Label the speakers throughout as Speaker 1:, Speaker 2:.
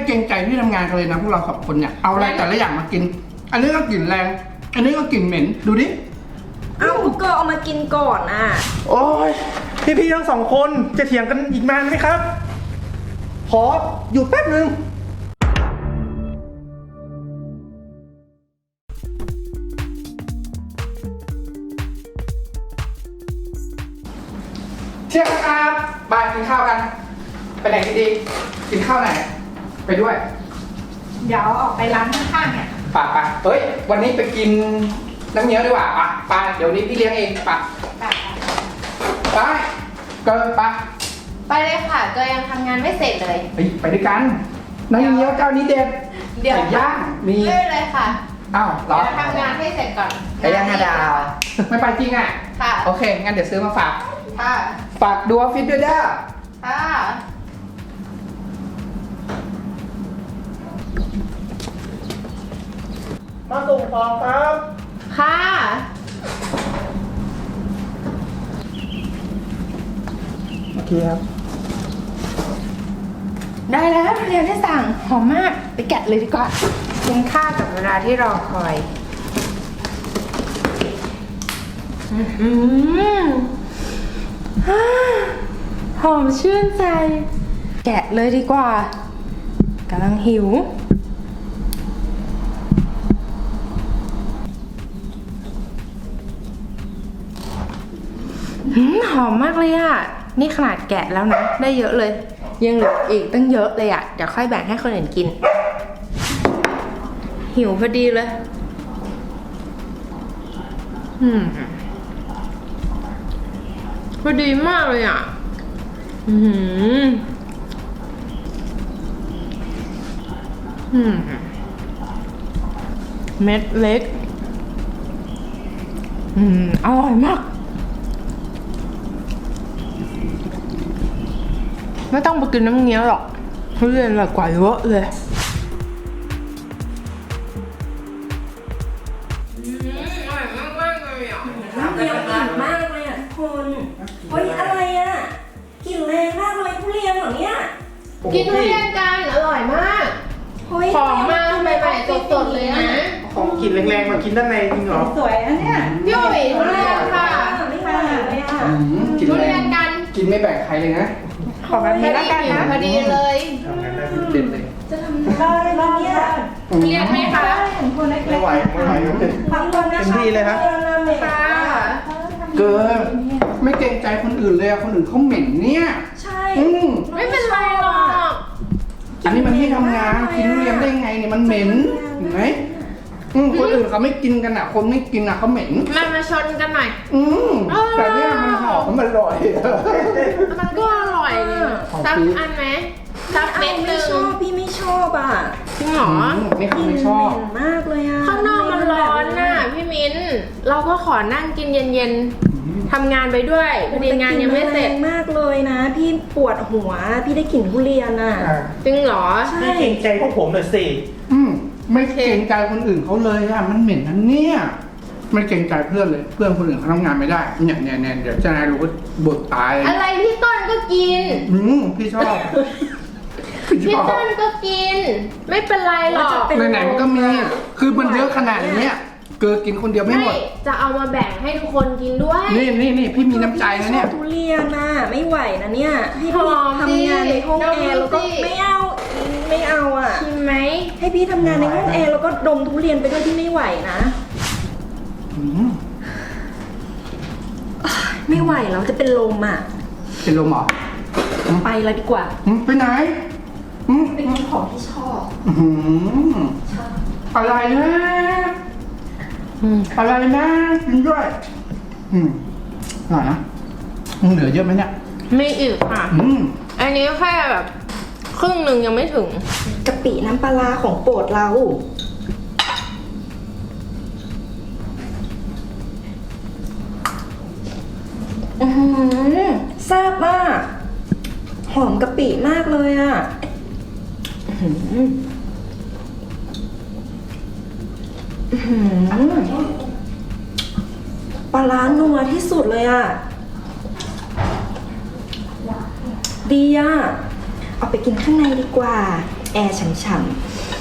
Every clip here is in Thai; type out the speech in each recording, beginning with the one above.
Speaker 1: เกรงใจที่ทำงานกันเลยนะพวกเรา2 คนเนี่ยเอาอะไรแต่ละอย่างมากิน อันนี้ก็กลิ่นแรง อันนี้ก็กลิ่นเหม็นดูดิ
Speaker 2: เอาก็เอามากินก่อนอ่ะ
Speaker 3: โอ้ยพี่ๆทั้ง2 คนจะเถียงกันอีกนานไหมครับขออยู่แป๊บนึง
Speaker 1: เที่ยงครับบายกินข้าวกันไปไหนกันดีกินข้าวไหนไปด้วย
Speaker 2: เดี๋ยวออกไปร้านข้างๆเนี่ย
Speaker 1: ป่ะเฮ้ยวันนี้ไปกินน้ำเงี้ยวดีกว่าไปเดี๋ยวนี้พี่เลี้ยงเองไปเกิน
Speaker 4: ไปเลยค่ะก็ยังทำงานไม่เสร็จเลย
Speaker 1: ไปด้วยกันน้ำเงี้ยวเจ้านี้เด็ด
Speaker 4: เดี๋ยว
Speaker 1: ย่างมี
Speaker 4: เลยค่ะ
Speaker 1: อ้าว
Speaker 4: เดี๋ยวทำงานให้เสร็จก่อน
Speaker 1: ไก่ย่าง5 ดาวไม่ไปจริงอ่ะ
Speaker 4: ค่ะ
Speaker 1: โอเคงั้นเดี๋ยวซื้อมาฝาก
Speaker 4: ค่ะ
Speaker 1: ฝากดูออฟฟิศด้วยเด้อ
Speaker 4: ค่ะ
Speaker 3: มาส่งของครับ
Speaker 4: ค่ะ
Speaker 3: โอเคครับ
Speaker 2: ได้แล้วเรียนที่สั่งหอมมากไปแกะเลยดีกว่ากินข้าวกับเวลาที่รอคอยหอมชื่นใจแกะเลยดีกว่ากำลังหิวหอมมากเลยอ่ะนี่ขนาดแกะแล้วนะได้เยอะเลยยังเหลืออีกตั้งเยอะเลยอ่ะเดี๋ยวค่อยแบ่งให้คนอื่นกินหิวพอดีเลยพอดีมากเลยอ่ะเม็ดเล็กอร่อยมากไม่ต้องไปกินน้ำเงี้ยวหรอกทุเรียนอร่อยกว่าเยอะเลยอร่อยมากเลยอ่ะน้ำเงี้ยวกลิ่นมากเลยอ่ะคุณเฮ้ยอะไรอ่ะกลิ่นแรงมากเลยทุเรียนเหรอเนี่ย
Speaker 4: กินทุเรียนกันอร่อยมากของมาใหม่ๆสดๆเลยนะ
Speaker 3: ของกลิ่นแรงๆมากินด้านในจริงเหรอ
Speaker 2: สวยนะเนี่ย
Speaker 4: พี่อุ๋ยทุเรียนค่ะ
Speaker 2: ไม่มาเลยอ่ะ
Speaker 4: ทุเรียนกัน
Speaker 1: กินไม่แบ่งใครเลยนะ
Speaker 2: ขอแบบนี้แล้วกันนะ
Speaker 4: พอดีเลย
Speaker 1: ทำงานได้เด่นเลย
Speaker 2: จะทำได้ไหมเนี่ย
Speaker 4: เรียนไหมคะ
Speaker 3: ไม่ไหว
Speaker 2: ทำคนนะคะ
Speaker 3: เต็มที่เลยครับ
Speaker 4: ค่ะ
Speaker 1: เกินไม่เกรงใจคนอื่นเลยคนอื่นเขาเหม็นเนี่ย
Speaker 2: ใช่
Speaker 4: ไม่เป็นไรหรอก
Speaker 1: อันนี้มันที่ทำงานกินทุเรียนได้ไงเนี่ยมันเหม็นเห็นไหมคนอื่นเขาไม่กินกันอ่ะคนไม่กินอ่ะเขาเหม็น
Speaker 4: มาชนกันหน่อย
Speaker 1: แต่เนี่ยมันหอมมันอร่อย
Speaker 4: มันก็อร่อยซับอันไหมซับเม็ดนึง
Speaker 2: พี่ไม่ชอบอ่ะ
Speaker 4: จริงเหรอ
Speaker 1: ไม่ชอบ
Speaker 2: มากเลยอ่ะ
Speaker 4: ข้างนอกมันร้อนน่ะพี่มิ้นเราก็ขอนั่งกินเย็นๆทำงานไปด้วยพอดีงานยังไม่เสร็จ
Speaker 2: มากเลยนะพี่ปวดหัวพี่ได้กลิ่นทุเรียนอ่ะ
Speaker 4: จริงเหรอ
Speaker 3: ไม่เกรงใจพวกผมหน่อยสิ
Speaker 1: ไม่เกรงใจคนอื่นเขาเลยอ่ะมันเหม็นนั่นเนี่ยไม่เกรงใจเพื่อนเลยเพื่อนคนอื่นเขาทำงานไม่ได้เนี่ยเดี๋ยวจะนายรู้ว่าบทตาย
Speaker 4: อะไรพี่ต้นก็กิน
Speaker 1: พี่ชอบ
Speaker 4: พี่ต้นก็กินไม่เป็นไรหรอก
Speaker 1: ไหนๆมันก็มีคือมันเยอะขนาดนี้เกิดกินคนเดียวไม่หมด
Speaker 4: จะเอามาแบ่งให้ทุกคนกินด้วย
Speaker 1: นี่พี่มีน้ำใจนะเนี่ย
Speaker 2: ทุเรียนน่ะไม่ไหวนะเนี่ยให้พี่ทำงานในห้องแอร์แล้วก็ไม่เอาอ่ะ
Speaker 4: ชิมไหม
Speaker 2: ให้พี่ทำงานในห้องแอร์แล้วก็ดมทุเรียนไปด้วยที่ไม่ไหวนะไม่ไหวแล้วจะเป็นลมอ่ะ
Speaker 1: เป็นลมเหรอ
Speaker 2: ไปแล้วดีกว่า
Speaker 1: ไปไหน
Speaker 2: ไปกินของที่ชอบ
Speaker 1: อะไรนะอะไรนะกินด้วยอร่อยนะเหลือเยอะไหมเนี่ย
Speaker 4: ไม่อีกค่ะอันนี้แค่แบบครึ่งหนึ่งยังไม่ถึง
Speaker 2: กะปิน้ำปลาของโปรดเราแซ่บมากหอมกะปิมากเลยอ่ะปลาร้านัวที่สุดเลยอ่ะดีอ่ะเอาไปกินข้างในดีกว่าแอร์ฉ่ำ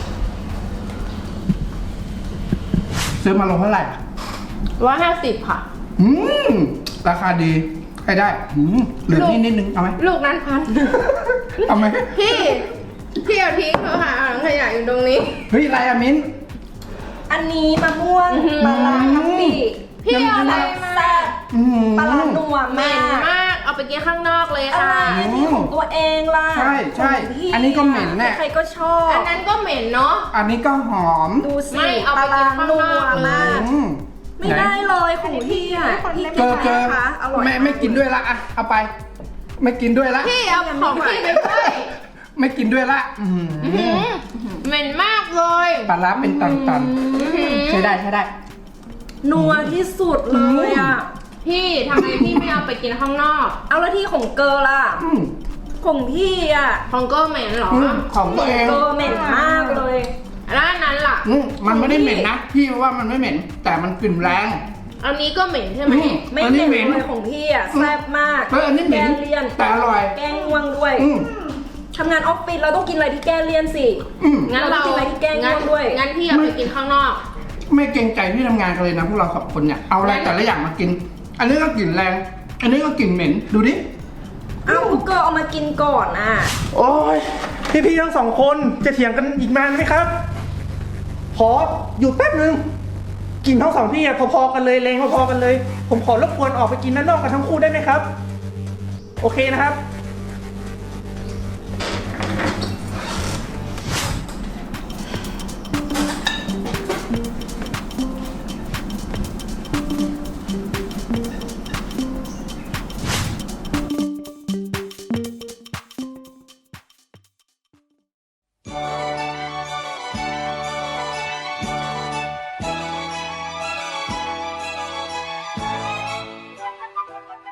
Speaker 1: ซื้อมาลงเท่าไหร่
Speaker 4: 150 ค่ะ
Speaker 1: อืมราคาดีให้ได้เหลือนี่นิดนึงเอาไหม
Speaker 4: ลูกนั้นพัน
Speaker 1: เอาไหม
Speaker 4: พี่เอาทิ้งเถอะค่ะถังขยะอยู่ตรงนี้
Speaker 1: เฮ้ยอะไรอะมิ้น
Speaker 2: ๆอันนี้มะม่วง
Speaker 4: อื้อหือ
Speaker 2: ปลาร้าทับปี
Speaker 4: พี่เอาอะไรมา
Speaker 2: แซ่บ
Speaker 1: อืม
Speaker 2: ปลาร้านัว
Speaker 4: เหม็
Speaker 2: มาน ก
Speaker 4: มาก เอาไปกินข้างนอกเลย
Speaker 2: อะไร
Speaker 4: ค่ะ
Speaker 2: อันนี้ของตัวเองล่ะ
Speaker 1: ใช่ใช่
Speaker 2: ของพี่
Speaker 1: อันนี้ก็เหม็นแน่
Speaker 2: ใครก็ชอบ
Speaker 4: อันนั้นก็เหม็นเนาะ
Speaker 1: อันนี้ก็หอม
Speaker 2: ดูสิ
Speaker 4: ไม่เอา
Speaker 2: ป
Speaker 4: ไป
Speaker 2: ลา
Speaker 4: กิ
Speaker 2: ร้าน
Speaker 4: ข้าง
Speaker 2: นั
Speaker 4: น
Speaker 2: ว
Speaker 4: อกเลย
Speaker 2: มาก
Speaker 1: อืม
Speaker 2: ไม่ได้เลยของพี่อ่ะพี่
Speaker 1: เจอ
Speaker 2: กินไหมคะอร่อย
Speaker 1: ไม่กินด้วยละอะเอาไป ไม่กินด้วยละ
Speaker 4: พี่เอาของพี่ไปด้วย
Speaker 1: ไม่กินด้วยละอืม
Speaker 4: อื้อหือเหม็นมากเลย
Speaker 1: ปลาร้าเป็นตันๆใช้ได้ใช้ได้
Speaker 2: นัวที่สุดเลยอ่ะ
Speaker 4: พี่ทำไมพี่ไม่เอาไปกินข้างนอก
Speaker 2: เอาแล้วที่ของเกอร์ล่ะ
Speaker 1: อืม
Speaker 2: ของพี่อ่ะ
Speaker 4: ของก็เหม็นเหรอ
Speaker 1: ของตัวเอง
Speaker 2: เกอร์เหม็นมากเลย
Speaker 4: แล้วอันนั้นล่ะ
Speaker 1: มันไม่ได้เหม็นนะพี่ว่ามันไม่เหม็น แต่มันกลิ่นแรง
Speaker 4: อันนี้ก็เหม็นใช่ไหม
Speaker 2: ไม่
Speaker 1: อันนี้
Speaker 2: เหม็น
Speaker 1: เหม็น
Speaker 2: เลยของพี่อ่ะแซ่บมาก
Speaker 1: อันนี้เหม็น
Speaker 2: แก้เลี่ยน
Speaker 1: แต่อร่อย
Speaker 2: แกงง่วงด้วย
Speaker 1: อืม
Speaker 2: ทำงานออฟฟิศเราต้องกินอะไรที่แก้เลี่ยนสิ
Speaker 1: อืม
Speaker 4: งั้นเรา
Speaker 2: เรากินอะไรที่แกล้ง
Speaker 4: งั้น
Speaker 2: ง่วงด้วย
Speaker 4: งั้นพี่เอาไปกินข้างนอก
Speaker 1: ไม่เกรงใจที่ทำงานกันเลยนะพวกเราสองคนเนี่ยเอาอะไรแต่ละอย่างมากิน อันนี้ก็กลิ่นแรง อันนี้ก็กลิ่นเหม็นดูดิ
Speaker 2: เอ้าก็เกอร์เอามากินก่อนอ่ะ
Speaker 3: โอ้ยพี่ๆทั้งสองคนจะเถียงกันอีกนานไหมครับ ขออยู่แป๊บนึงกลิ่นทั้งสองที่อะพอๆกันเลยแรงพอๆกันเลย ผมขอรบกวนออกไปกินด้านนอกกันทั้งคู่ได้ไหมครับ โอเคนะครับ